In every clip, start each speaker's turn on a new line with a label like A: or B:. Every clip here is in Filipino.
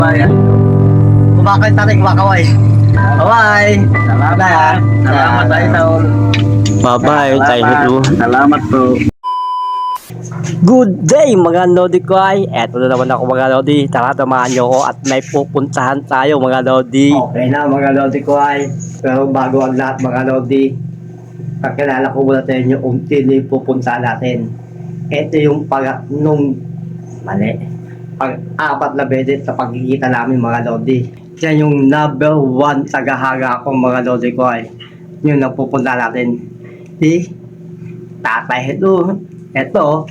A: Ayan. Kumakay tatay, kumakaway. Kaway. Salamat. Salamat tayo sa
B: Bye-bye, tayo nito.
A: Salamat po.
B: Good day mga Lodi ko ay. Eto na naman ako mga Lodi. Tara, tamahan nyo ako at may pupuntahan tayo mga Lodi. Okay na mga Lodi ko ay. Pero bago ang lahat mga Lodi, kakilala ko muna sa inyo kung sino yung pupuntahan natin. Ito yung pag-apat na beses sa pagkikita namin mga Lodi. Yan yung number 1 tagahaga akong mga Lodi ko ay. Yun ang pupuntahan natin. Si Tatay Ito.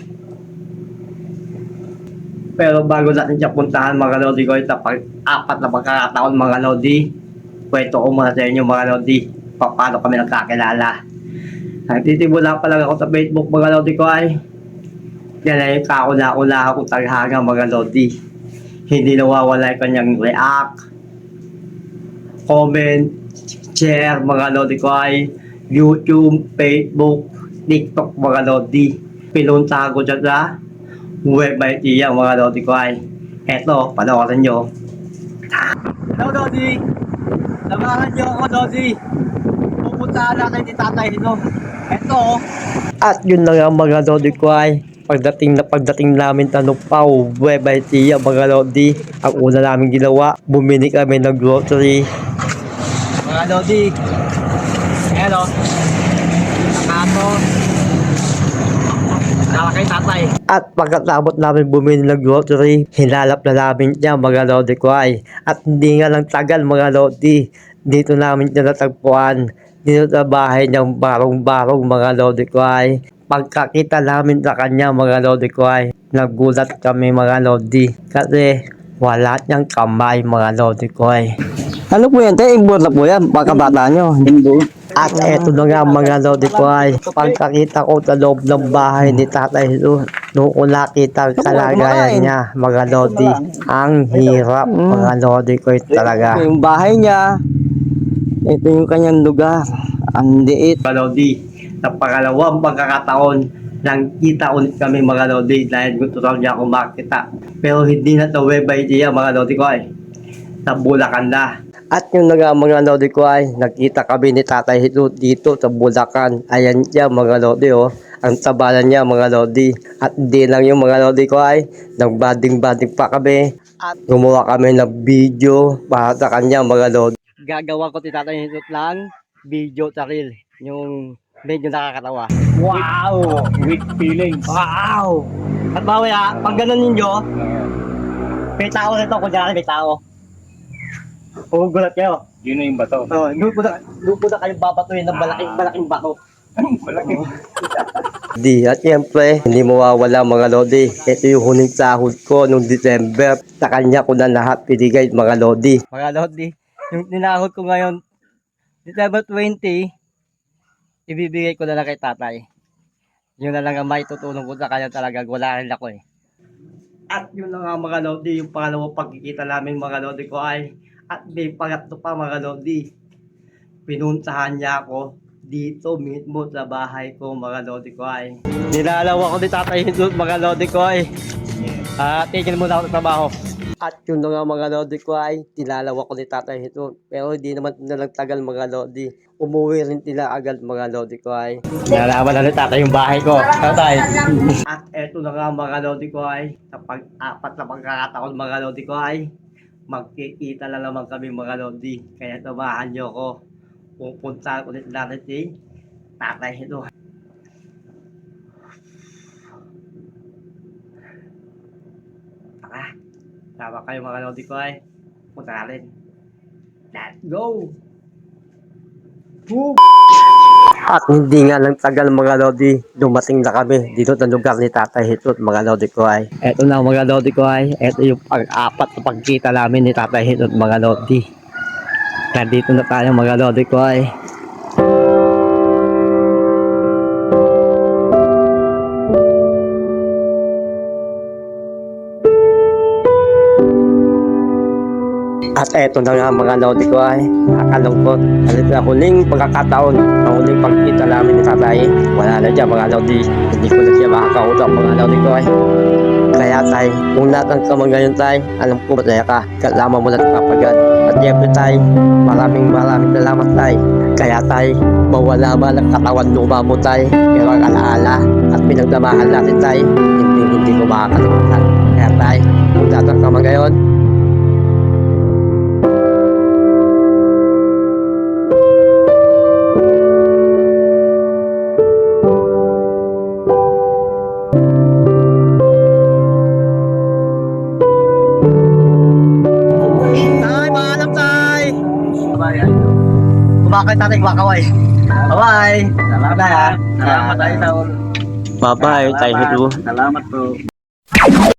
B: Pero bago natin siya puntahan mga Lodi ko, sa pag-apat na pagkakataon mga Lodi, kwento ko muna sa inyo mga Lodi, paano kami nagkakilala. Nagtitibula pa lang ako sa Facebook mga Lodi ko ay, yan ay kauna-una akong taghaga mga Lodi. Hindi nawawala yung kanyang react, comment, share mga Lodi ko ay, YouTube, Facebook, TikTok mga Lodi. Pinuntahan ko dyan sa web by Tia mga Lodi ko ay. Eto, panoorin nyo. Hello Lodi! Samahan nyo ako Lodi. Pupuntahan natin ni Tatay Hino. Eto. At yun na nga mga Lodi ko ay. Pagdating namin tanong pa web by Tia mga Lodi. Ang una namin ginawa, bumili kami ng grocery. Mga Lodi. Hello. Nakato. Kay tatay. At pagkatapos namin bumili ng grocery, hinalap na namin niya mga Lodi ko ay. At hindi nga lang tagal mga Lodi, dito namin siya natagpuan. Dito sa bahay niyang barong-barong mga Lodi ko ay. Pagkakita namin sa kanya mga Lodi ko ay, nagulat kami mga Lodi. Kasi wala niyang kamay mga Lodi ko ay. Ano po yan? Imbor na po yan, pagkabata nyo. Imbor. At eto na nga mga Lodi ko ay, pagkakita ko sa loob ng bahay ni Tatay Hino, noong ko nakita ang kalagayan niya mga Lodi, ang hirap mga Lodi ko talaga. Yung bahay niya, ito yung kanyang lugar, ang liit. Mga Lodi, sa pangalawang pagkakataon, nang kita ulit kami mga Lodi dahil gusto raw niya akong makita. Pero hindi na sa web idea mga Lodi ko ay, sa Bulacan na. At yung mga Lodi ko ay, nakita kami ni Tatay Hino dito sa Bulacan. Ayan siya mga Lodi oh. Ang tabalan niya mga Lodi. At di lang yung mga Lodi ko ay, nagbading-bading pa kami. At gumawa kami ng video para sa kanya mga Lodi. Gagawa ko si Tatay Hino lang, video sa reel. Yung medyo nakakatawa. Wow!
A: With feelings.
B: Wow! At bawi pag ganun ninyo, may tao nito, kunyari may tao. Gulat kayo.
A: Yun na yung bato.
B: Doon po na kayong babatuhin ng malaking bato.
A: Malaki.
B: Di, at siyempre, hindi mawawala mga Lodi. Ito yung huling sahod ko noong December. Sa kanya ko na lahat pinigay mga Lodi. Mga Lodi, yung ninahod ko ngayon, December 20, ibibigay ko na lang kay tatay. Yun na lang ang may tutulong ko sa kanya talaga. Wala rin ako eh. At yun na nga mga Lodi, yung pangalawang pagkikita namin mga Lodi ko ay, at may pangatlo pa mga Lodi. Pinuntahan niya ako dito mismo sa bahay ko mga Lodi ko ay. Nilalaw ako ni Tatay Hino mga Lodi ko ay. Tigil muna ako sa trabaho. At yun na nga mga Lodi ko ay, tinalaw ako ni Tatay Hino. Pero hindi naman nalang tagal mga Lodi. Umuwi rin sila agad mga Lodi ko ay. Nalaman na ni Tatay yung bahay ko. Tatay. At eto na nga mga Lodi ko ay, sa pag-apat na pagkakataon mga Lodi ko ay, magkikita na naman kami mga Lodi. Kaya samahan nyo ako. Pupunta ulit natin si Tatay Hino. Tara, sama kayo mga Lodi ko ay. Punta natin. Let's go! Boom! At hindi nga lang tagal mga Lodi, dumating na kami dito sa lugar ni Tatay Hino mga Lodi ko ay. Eto na mga Lodi ko ay, eto yung pag-apat na pagkita namin ni Tatay Hino mga Lodi. Nandito na tayo mga Lodi ko ay. At eto na nga mga lodi ko ay nakalungkot. Halit na huling pagkakataon, ang huling pagkita namin ni tatay. Wala na dyan mga lodi. Hindi ko na siya makakautap mga lodi ko ay. Kaya tay, kung lahat ng kamang ngayon tay, alam ko masaya ka. Kasama mo na kapagad. At syempre tay, maraming salamat tay. Kaya tay, mawala man ang katawan luma mo tay. Pero ang alaala at pinagdamahan natin tay, hindi ko makakalimutan. Kaya tay, kung lahat ng kamang ngayon, tay, paalam tay!
A: Kumakay tatay, kumakaway. Bye-bye. Salamat.
B: Bye-bye, tay Hiru.
A: Salamat po.